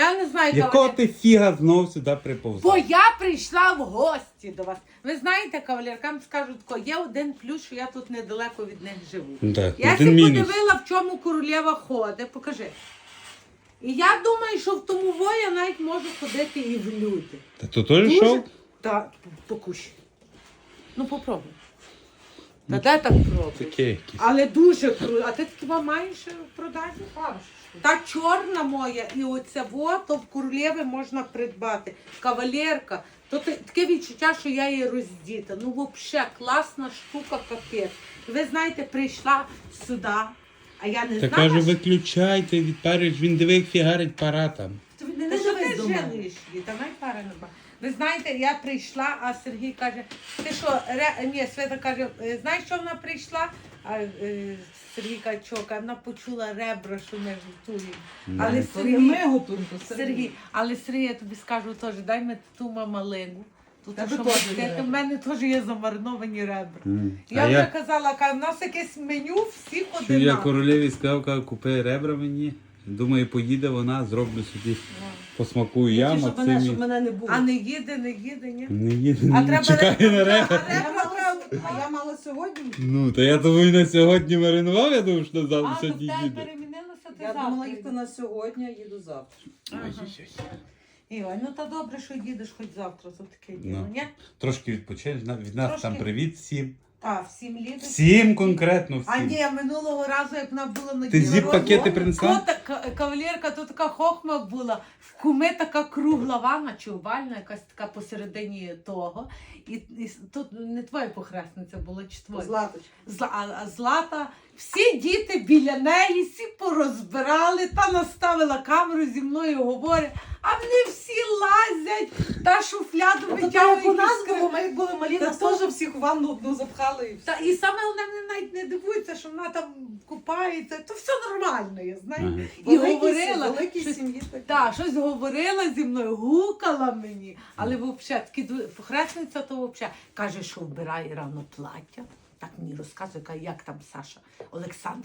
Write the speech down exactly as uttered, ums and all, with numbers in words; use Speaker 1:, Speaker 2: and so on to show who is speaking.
Speaker 1: Я не знаю,
Speaker 2: Якого
Speaker 1: кавалер.
Speaker 2: ти фіга знов сюди приповзла?
Speaker 1: Бо я прийшла в гості до вас. Ви знаєте, кавалеркам скажу тако, є один плюс, що я тут недалеко від них живу.
Speaker 2: Так,
Speaker 1: Я
Speaker 2: один
Speaker 1: сі
Speaker 2: мінус.
Speaker 1: подивила, в чому королева ходить. Покажи. І я думаю, що в тому во я навіть можу ходити і в люди.
Speaker 2: Та то теж йшов?
Speaker 1: Так, покушай. Ну попробуй. Та де так пробуй?
Speaker 2: Таке якесь.
Speaker 1: Але дуже круто. А ти такі вам маєш в продажі? Та чорна моя і оця во, то в королеви можна придбати. Кавалерка. То ти- таке відчуття, що я її роздіта. Ну взагалі класна штука, капець. Ви знаєте, прийшла сюди, а я не
Speaker 2: Та
Speaker 1: знала,
Speaker 2: кажу,
Speaker 1: що...
Speaker 2: виключайте, відпарюєш, він диви, як фігарить пара там.
Speaker 1: Ти не що ти жилиш, та най пара не ба. Ви знаєте, я прийшла, а Сергій каже, ти що, ре... ні, Свята каже, «Е, знаєш, що вона прийшла? А е, Сергій каже, що, каже, вона почула ребра, що ми готуємо. Але
Speaker 3: То не
Speaker 1: Сергій,
Speaker 3: ми готуємо, то
Speaker 1: Сергій, але Сергій, я тобі скажу теж, дай мені ту мамалигу. Тут
Speaker 3: Тебе
Speaker 1: що
Speaker 3: теж
Speaker 1: ми-
Speaker 3: є
Speaker 1: в
Speaker 3: ребра.
Speaker 1: мене теж є замариновані ребра.
Speaker 2: М.
Speaker 1: Я
Speaker 2: А
Speaker 1: вже
Speaker 2: я,
Speaker 1: казала, каже, в нас якесь меню всіх
Speaker 2: що я
Speaker 1: одинаково.
Speaker 2: королеві сказав, кажу, купи ребра мені. Думаю, поїде вона, зроблю собі, посмакую я,
Speaker 3: щоб мене, щоб
Speaker 2: Максимі.
Speaker 3: мене не було.
Speaker 1: А не їде, не їде, ні?
Speaker 2: Не їде,
Speaker 1: А
Speaker 2: не
Speaker 1: треба
Speaker 2: чекає на
Speaker 1: ребра,
Speaker 2: ребра.
Speaker 1: а
Speaker 3: А я
Speaker 1: ребра
Speaker 3: мала,
Speaker 1: треба.
Speaker 3: а я мала сьогодні.
Speaker 2: Ну, то я думаю, на сьогодні маринував, я думав, що
Speaker 1: А,
Speaker 2: завтра
Speaker 1: то в
Speaker 2: сьогодні
Speaker 1: тебе
Speaker 2: їде.
Speaker 1: перемінилося, ти
Speaker 3: Я
Speaker 1: завтра.
Speaker 3: думала їхати на сьогодні, а їду завтра.
Speaker 1: Ага. Ігор, ну та добре, що їдеш хоч завтра, то таке діло,
Speaker 2: Ну.
Speaker 1: ні?
Speaker 2: Трошки відпочинеш, на- від нас
Speaker 1: Трошки.
Speaker 2: там привіт всім.
Speaker 1: Так, всім лідер.
Speaker 2: Всім конкретно
Speaker 1: А
Speaker 2: всім.
Speaker 1: ні, минулого разу, як вона була на
Speaker 2: Ти
Speaker 1: дні
Speaker 2: зіп-пакети
Speaker 1: народження,
Speaker 2: принесла?
Speaker 1: то така кавалерка, то така хохма була. В куми така кругла ванна чи овальна, якась така посередині того. І, і тут не твоя похресниця була, чи твоя?
Speaker 3: Златочка.
Speaker 1: Зла, а, а Злата, всі діти біля неї, всі порозбирали, та наставила камеру зі мною говорить, а вони всі лазять, та шуфляду
Speaker 3: А то так
Speaker 1: витягують.
Speaker 3: у нас
Speaker 1: із кри-
Speaker 3: було, ми як були малі,
Speaker 1: Та
Speaker 3: нас
Speaker 1: то-
Speaker 3: теж всіх в ванну одну запхали і все.
Speaker 1: Та, і саме головне, вони навіть не дивуються, що вона там купається, то все нормально, я знаю.
Speaker 2: Ага.
Speaker 1: І
Speaker 3: Великій
Speaker 1: говорила,
Speaker 3: сім- великій
Speaker 1: щось-
Speaker 3: сім'ї так.
Speaker 1: Так, щось говорила зі мною, гукала мені, але взагалі, такі ду- похресниця то взагалі каже, що вбирає рано плаття. Так мені розказує, каже, як там Саша Олександр.